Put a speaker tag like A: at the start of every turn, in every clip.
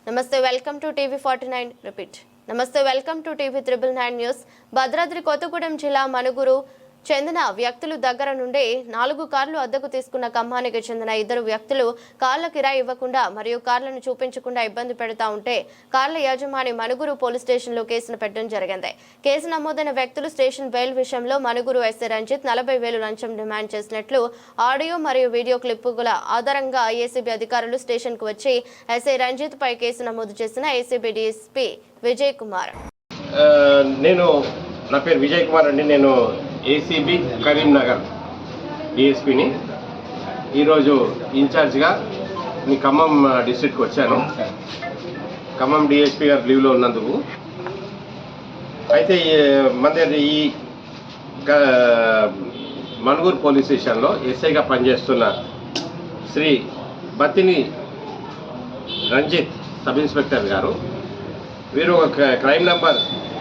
A: నమస్తే welcome to TV 49 repeat. నమస్తే welcome to TV 999 news. Bhadradri Kothagudem జిల్లా మనుగురు చెందిన వ్యక్తులు దగ్గర నుండి 4 కార్లు అద్దెకు తీసుకున్న ఖమ్మానికి చెందిన 2 వ్యక్తులు కార్ల కిరాయి ఇవ్వకుండా మరియు కార్లను చూపించకుండా ఇబ్బంది పెడతా ఉంటే కార్ల యజమాని మనుగురు పోలీస్ స్టేషన్లో కేసును పెట్టడం జరిగింది. కేసు నమోదైన వ్యక్తులు స్టేషన్ బెయిల్ విషయంలో మనుగురు ఎస్ఐ రంజిత్ 40,000 లంచం డిమాండ్ చేసినట్లు ఆడియో మరియు వీడియో క్లిప్పుల ఆధారంగా ఏసీబీ అధికారులు స్టేషన్కు వచ్చి ఎస్ఐ రంజిత్ పై కేసు నమోదు చేసిన ఏసీబీ డీఎస్పీ విజయ్ కుమార్.
B: నా పేరు విజయ్ కుమార్ అండి. నేను ఏసీబీ కరీంనగర్ డిఎస్పీని. ఈరోజు ఇన్ఛార్జ్గా మీ ఖమ్మం డిస్ట్రిక్ట్కి వచ్చాను. ఖమ్మం డిఎస్పీ గారు లీవ్లో ఉన్నందుకు. అయితే మన ఈ మనుగురు పోలీస్ స్టేషన్లో ఎస్ఐగా పనిచేస్తున్న శ్రీ బత్తిని రంజిత్ సబ్ ఇన్స్పెక్టర్ గారు, వీరు ఒక crime number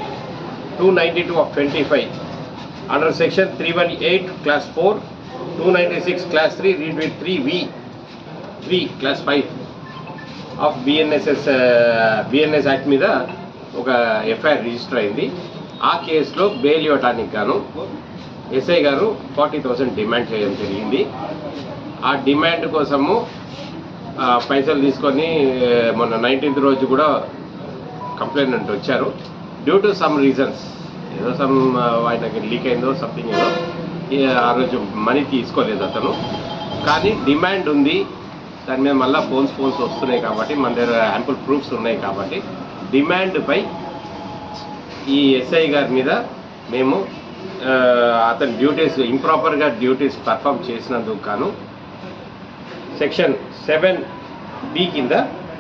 B: 292/25 under section 318 class 4, 296 class 3 read with 3 class 5 of BNS act మీద ఒక ఎఫ్ఐఆర్ రిజిస్టర్ అయింది. ఆ కేసులో బెయిల్ ఇవ్వడానికి గాను ఎస్ఐ గారు 40,000 డిమాండ్ చేయడం జరిగింది. ఆ డిమాండ్ కోసము పైసలు తీసుకొని మొన్న 19th రోజు కూడా కంప్లైంట్ వచ్చారు. డ్యూ టు సమ్ రీజన్స్, ఏదో సమ్ ఆయనకి లీక్ అయిందో సంథింగ్, ఏదో ఆ రోజు మనీ తీసుకోలేదు అతను. కానీ డిమాండ్ ఉంది, దాని మీద మళ్ళీ ఫోన్స్ వస్తున్నాయి కాబట్టి మన దగ్గర యాంపుల్ ప్రూఫ్స్ ఉన్నాయి కాబట్టి డిమాండ్పై ఈ ఎస్ఐ గారి మీద మేము అతని డ్యూటీస్ ఇంప్రాపర్గా డ్యూటీస్ పర్ఫామ్ చేసినందుకు గాను సెక్షన్ 7B కింద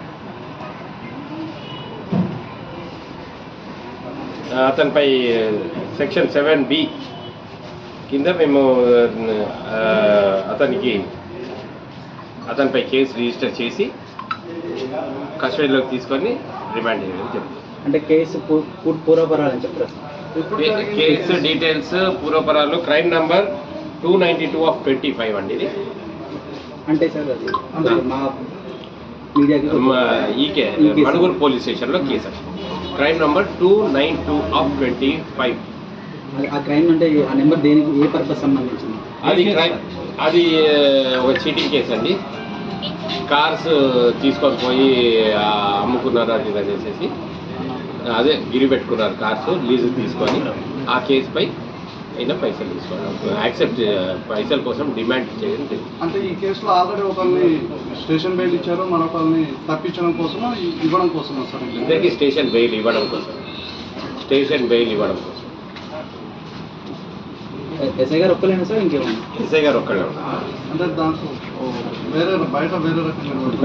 B: అతనిపై సెక్షన్ 7B కింద మేము అతనిపై కేసు రిజిస్టర్ చేసి కస్టడీలోకి తీసుకొని రిమాండ్ చేయడం జరుగుతుంది.
C: అంటే కేసు పూర్వపరాలు చెప్తారు.
B: కేసు డీటెయిల్స్ పూర్వపరాలు క్రైమ్ నంబర్ 292/25 అండి. ఇది
C: అంటే సార్ అది మా
B: ఈకే మనుగురు పోలీస్ స్టేషన్లో కేసు క్రైమ్ నంబర్ 292/25.
C: ఆ క్రైమ్ అంటే ఆ నెంబర్ దేనికి, ఏ పర్పస్ సంబంధించింది?
B: అది ఒక చీటింగ్ కేసు అండి. కార్స్ తీసుకొని పోయి అమ్ముకున్నారు అది అనేసి, అదే గిరి పెట్టుకున్నారు కార్స్ లీజు తీసుకొని. ఆ కేసుపై అయినా పైసలు తీసుకోవాలి, యాక్సెప్ట్ పైసల కోసం డిమాండ్ చేయడం జరిగింది.
D: అంటే ఈ కేసులో ఆల్రెడీ ఒకరిని స్టేషన్ బెయిల్ ఇచ్చారు, మరొకరిని తప్పించడం కోసం ఇవ్వడం కోసం సార్?
B: ఇద్దరికి స్టేషన్ బెయిల్ ఇవ్వడం కోసం.
C: ఎస్ఐ గారు ఒక్కలేనా సార్? ఇంకేమన్నా?
B: ఎస్ఐ గారు ఒక్కడే ఉన్నారు.
D: అంటే దాంట్లో బయట వేరే రకంగా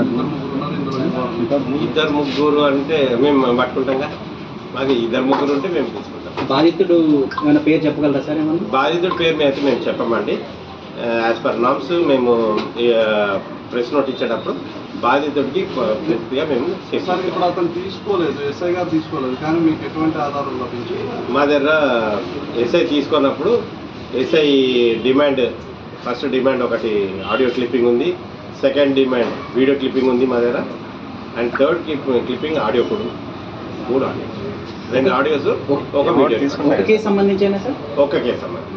B: 2-3 అంటే మేము పట్టుకుంటాం. మాకు 2-3 ఉంటే మేము తీసుకుంటాం.
C: బాధితుడు ఏమైనా పేరు చెప్పగలరా సార్? ఏమన్నా
B: బాధితుడి పేరు అయితే మేము చెప్పమండి. యాజ్ పర్ నామ్స్ మేము ప్రెస్ నోట్ ఇచ్చేటప్పుడు బాధితుడికి పూర్తిగా మేము
D: సార్ ఇప్పుడు అతను తీసుకోలేదు, ఎస్ఐ గారు తీసుకోలేదు, కానీ మీకు ఎటువంటి ఆధారం లభించింది?
B: మా దగ్గర ఎస్ఐ తీసుకున్నప్పుడు ఎస్ఐ డిమాండ్, ఫస్ట్ డిమాండ్ ఒకటి ఆడియో క్లిప్పింగ్ ఉంది, సెకండ్ డిమాండ్ వీడియో క్లిప్పింగ్ ఉంది మా దగ్గర, అండ్ థర్డ్ క్లిప్పింగ్ ఆడియో కూడా 3 ఆడియో, 2 ఆడియోస్, ఒక వీడియో.
C: ఒక కేసు సంబంధించేనా సార్?
B: ఒక్క కేసు సంబంధించి.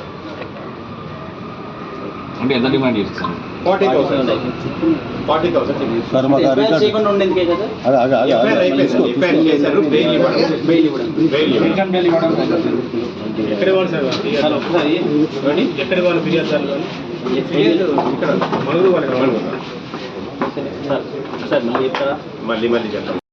E: అంటే ఎంత డిమాండ్ చేస్తాను?
B: 40,000
C: చేయకుండా ఉండేందుకే కదా.
B: ఎఫ్ఐఆర్ అయిపోయింది. ఎఫ్ఐఆర్ చేశారు, బెయిల్ ఇవ్వడం. ఎక్కడ వాళ్ళు సార్? ఎక్కడ వాళ్ళు ఫిర్యాదు సార్? ఇక్కడ మనుగురు వాళ్ళు. మళ్ళీ చెప్తాను.